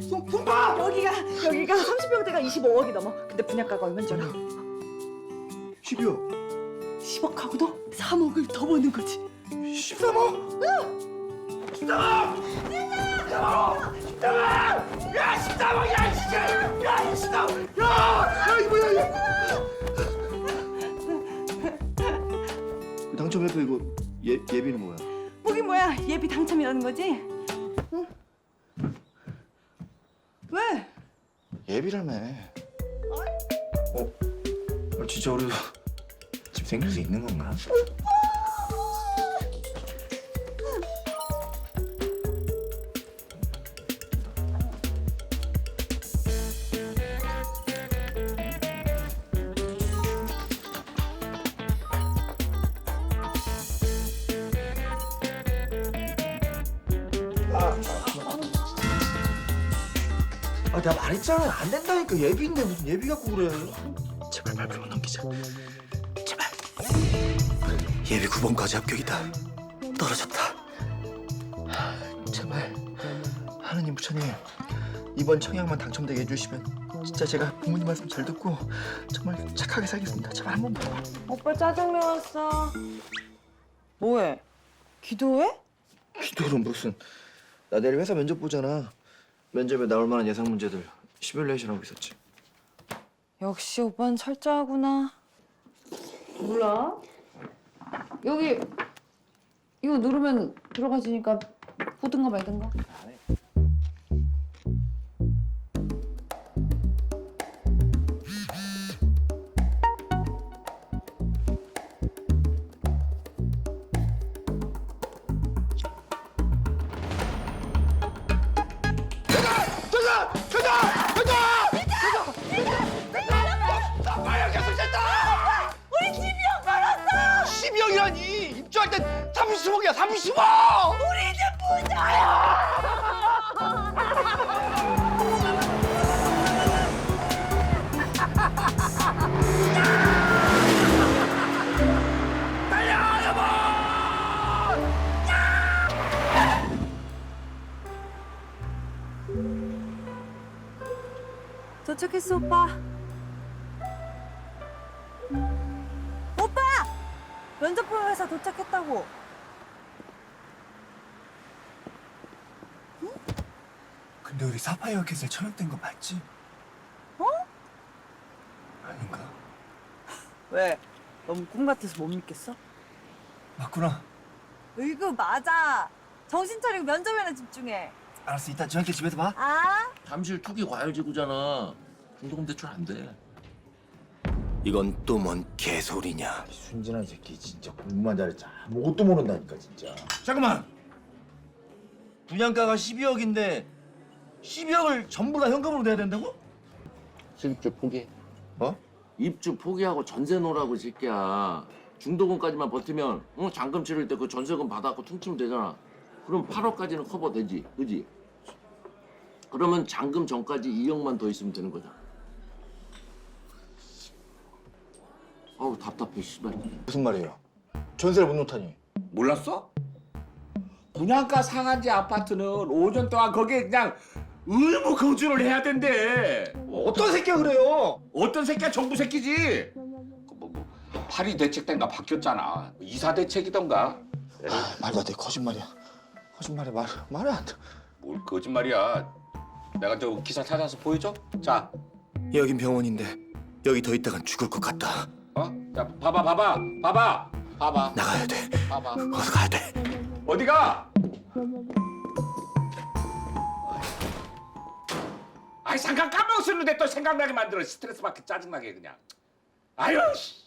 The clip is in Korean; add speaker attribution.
Speaker 1: 손봐!
Speaker 2: 여기가 30평대가 25억이 넘어. 근데 분양가가 얼마인 줄 알아?
Speaker 1: 12억.
Speaker 2: 10억하고도 3억을 더 버는 거지.
Speaker 1: 13억? 응! 13억! 13억! 야, 13억이야, 진짜! 야, 13억! 야, 이거 뭐야, 이거! 당첨해도 이거 예비는 뭐야?
Speaker 2: 뭐긴 뭐야, 예비 당첨이라는 거지? 응? 왜?
Speaker 1: 예비라며. 진짜 우리 집 생길 수 있는 건가? 내가 말했잖아. 안 된다니까. 예비인데 무슨 예비 갖고 그래. 제발 발표만 넘기자. 제발. 예비 9번까지 합격이다. 떨어졌다. 제발. 하느님 부처님 이번 청약만 당첨되게 해주시면 진짜 제가 부모님 말씀 잘 듣고 정말 착하게 살겠습니다. 제발 한 번만.
Speaker 2: 오빠 짜장면 왔어. 뭐해? 기도해?
Speaker 1: 기도는 무슨. 나 내일 회사 면접 보잖아. 면접에 나올 만한 예상 문제들 시뮬레이션 하고 있었지.
Speaker 2: 역시 오빠는 철저하구나. 몰라. 여기 이거 누르면 들어가지니까 보든가 말든가.
Speaker 1: 빨리 계속 됐다! 우리 12억 벌었어! 12억이라니! 입주할 땐 30억이야, 30억! 우리 이제 부자야! 달려, 여보!
Speaker 2: 도착했어, 오빠. 오빠! 면접 보는 회사 도착했다고.
Speaker 1: 근데 우리 사파이어 캣을 청약된 거 맞지?
Speaker 2: 어?
Speaker 1: 아닌가?
Speaker 2: 왜? 너무 꿈 같아서 못 믿겠어?
Speaker 1: 맞구나.
Speaker 2: 으이구, 맞아. 정신 차리고 면접에나 집중해.
Speaker 1: 알았어, 이따 저녁 때 집에서 봐.
Speaker 2: 아?
Speaker 3: 잠실 투기 과열지구잖아. 중도금 대출 안 돼.
Speaker 1: 이건 또 뭔 개소리냐. 순진한 새끼 진짜 공부만 잘했지 아무것도 모른다니까 진짜. 잠깐만. 분양가가 12억인데 12억을 전부 다 현금으로 내야 된다고?
Speaker 3: 실입주 포기.
Speaker 1: 어?
Speaker 3: 입주 포기하고 전세 놓으라고 이 새끼야. 중도금까지만 버티면 잔금 치를 때 그 전세금 받아갖고 퉁치면 되잖아. 그럼 8억까지는 커버되지, 그지? 그러면 잔금 전까지 2억만 더 있으면 되는 거잖아. 아우 답답해 씨발.
Speaker 1: 무슨 말이에요? 전세를 못 놓다니.
Speaker 4: 몰랐어? 분양가 상한제 아파트는 5년 동안 거기에 그냥 의무 거주를 해야 된대.
Speaker 1: 어떤 새끼가 그래요?
Speaker 4: 어떤 새끼야 정부 새끼지. 파리 대책단가 바뀌었잖아. 이사 대책이던가.
Speaker 1: 말도 안 돼. 거짓말이야. 거짓말이 말이 안 돼.
Speaker 4: 뭘 거짓말이야. 내가 저 기사 찾아서 보여줘. 자,
Speaker 1: 여긴 병원인데 여기 더 있다간 죽을 것 같다.
Speaker 4: 자 봐봐.
Speaker 1: 나가야 돼.
Speaker 4: 봐봐.
Speaker 1: 어서 가야 돼.
Speaker 4: 어디가? 아이 잠깐 까먹었었는데 또 생각나게 만들어. 스트레스 받게 짜증나게 그냥. 아유 씨.